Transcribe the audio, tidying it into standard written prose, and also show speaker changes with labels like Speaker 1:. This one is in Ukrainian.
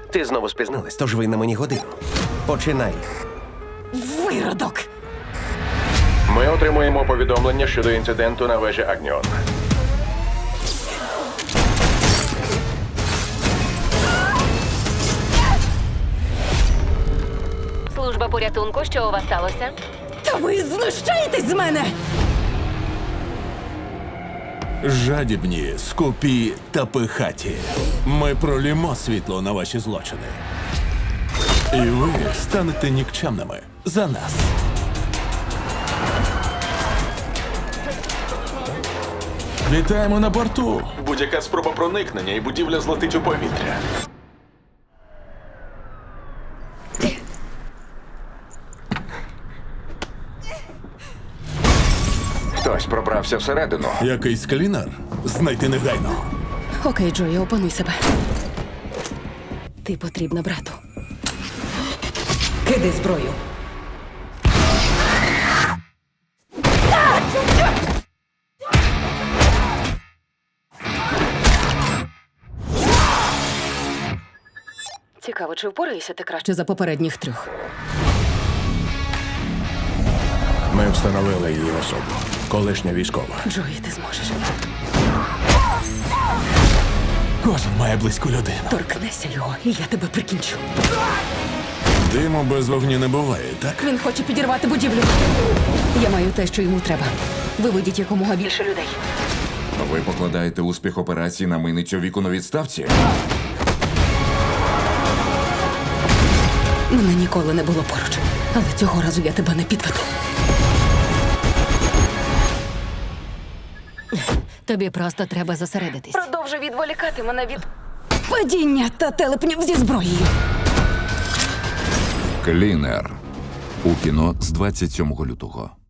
Speaker 1: Ти знову спізнилась, тож ви на мені годину. Починай.
Speaker 2: Виродок!
Speaker 3: Ми отримуємо повідомлення щодо інциденту на вежі Агніон.
Speaker 4: Служба порятунку, що у вас сталося?
Speaker 2: Та ви знущаєтесь з мене!
Speaker 5: Жадібні, скупі та пихаті. Ми пролімо світло на ваші злочини. І ви станете нікчемними за нас. Вітаємо на борту.
Speaker 3: Будь-яка спроба проникнення і будівля злетить у повітря. Хтось пробрався всередину.
Speaker 5: Якийсь клінер? Знайти негайно.
Speaker 2: Окей, Джої, опануй себе. Ти потрібна брату. Кидай зброю. Цікаво, чи впораєшся ти краще за попередніх трьох?
Speaker 5: Ми встановили її особу. Колишня військова.
Speaker 2: Джої, ти зможеш.
Speaker 5: Кожен має близьку людину.
Speaker 2: Торкнешся його, і я тебе прикінчу.
Speaker 5: Диму без вогню не буває, так?
Speaker 2: Він хоче підірвати будівлю. Я маю те, що йому треба. Виведіть якомога більше людей.
Speaker 6: Ви покладаєте успіх операції на мийницю віку на відставці?
Speaker 2: Мене ніколи не було поруч. Але цього разу я тебе не підведу.
Speaker 4: Тобі просто треба зосередитись.
Speaker 2: Продовжуй відволікати мене від падіння та телепнів зі зброєю.
Speaker 6: Клінер. У кіно з 27 лютого.